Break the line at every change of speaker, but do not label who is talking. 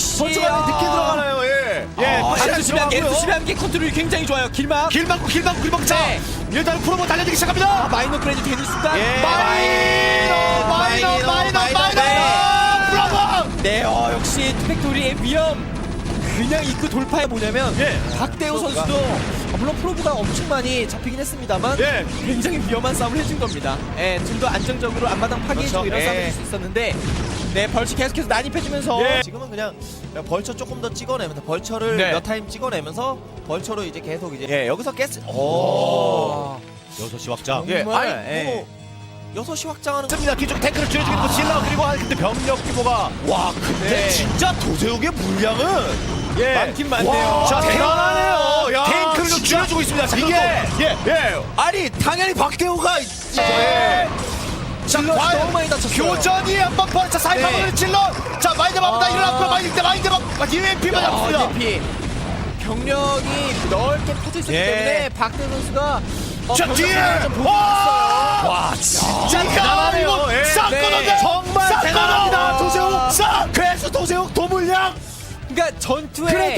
역시
벌처가 늦게 들어가나요? 예.
수비한 게 컨트롤이 굉장히 좋아요. 길막.
길 막고 자.
네.
일단 프로모 달려들기 시작합니다.
마이너 그래도 되는 순간.
예. 마이너. 프로모.
네, 역시 투팩토리의 위험. 그냥 입구 돌파해 보냐면 박대호 선수도 물론 프로브가 엄청 많이 잡히긴 했습니다만 굉장히 위험한 싸움을 해준 겁니다. 좀 더 안정적으로 앞마당 파괴해주고 이런 싸움을 할 수 있었는데 벌칙 계속해서 난입해주면서
지금은 그냥 벌처 조금 더 찍어내면서 벌처를 몇 타임 찍어내면서 벌처로 이제 계속 이제 여기서 깼. 오.
6시 확장.
아니 6시 확장하는 거.
습니다. 뒤쪽 탱크를 줄여주고 있고 질러 그리고 근데 병력 규모가 와 근데 진짜 도세욱의 물량은
많긴 많네요.
자 대단하네요.
야,
탱크를 좀
진짜.
줄여주고 있습니다. 자, 이게
아니 당연히 박대호가
자
질럿이
과연
너무 많이 다쳤어요.
교전이 한번 벌써 사이판을 질러 자 마인드 마보다 일어났고 마인드 UMP만 잡습니다.
DP 병력이 넓게 퍼져 있었기 때문에 박대호 선수가
자 뒤에 와 진짜 대단하네요. 싹 끊어내
정말 대단합니다.
도세욱 싹 그래서 도세욱 도물량
그러니까 전투에
그래